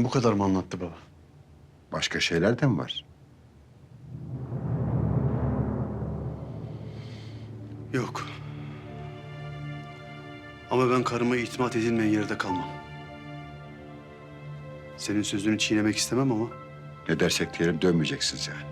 bu kadar mı anlattı baba? Başka şeyler de mi var? Yok. Ama ben karıma itimat edilmeyen yerde kalmam. Senin sözünü çiğnemek istemem ama Ne dersek diyelim dönmeyeceksiniz yani.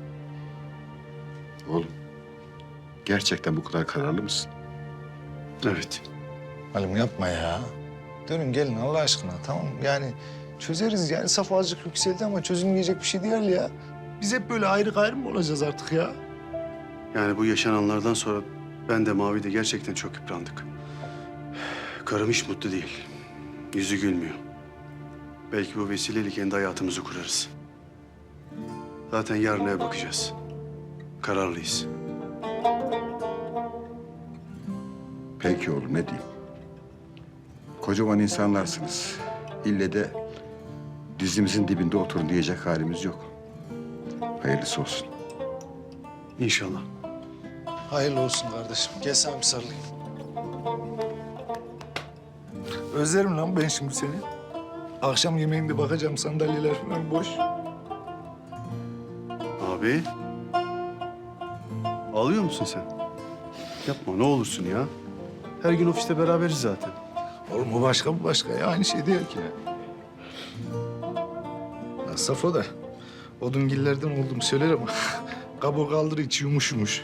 Oğlum, gerçekten bu kadar kararlı mısın? evet. Halim yapma ya. Dönün gelin Allah aşkına tamam mı? Yani çözeriz yani Safo azıcık yükseldi ama çözülmeyecek bir şey değil ya. Biz hep böyle ayrı gayrı mı olacağız artık ya? Yani bu yaşananlardan sonra ben de Mavi de gerçekten çok yıprandık. Karım hiç mutlu değil. Yüzü gülmüyor. Belki bu vesileyle kendi hayatımızı kurarız. Zaten yarına bakacağız. Kararlıyız. Peki oğlum, ne diyeyim? Kocaman insanlarsınız. İlle de dizimizin dibinde oturun diyecek halimiz yok. Hayırlısı olsun. İnşallah. Hayırlı olsun kardeşim. Gel sana bir sarılayım. Özlerim lan ben şimdi seni. Akşam yemeğinde bakacağım sandalyeler falan boş. Abi. Ağlıyor musun sen? Yapma ne olursun ya. Her gün ofiste beraberiz zaten. Oğlum o başka bu başka ya. Aynı şey değil ki. Ya Safo da odungillerden oldum söyler ama kabuğu kaldır içi yumuş yumuş.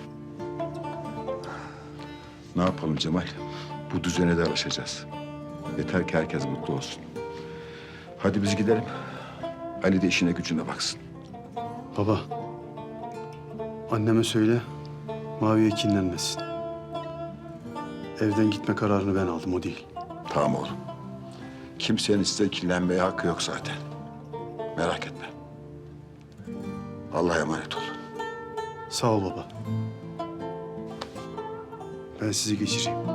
Ne yapalım Cemal? Bu düzene de alışacağız. Yeter ki herkes mutlu olsun. Hadi biz gidelim. Ali de işine gücüne baksın. Baba. Anneme söyle. Mavi'ye kinlenmesin. Evden gitme kararını ben aldım o değil. Tamam oğlum. Kimsenin size kirlenmeye hakkı yok zaten. Merak etme. Allah'a emanet ol. Sağ ol baba. Ben sizi geçireyim.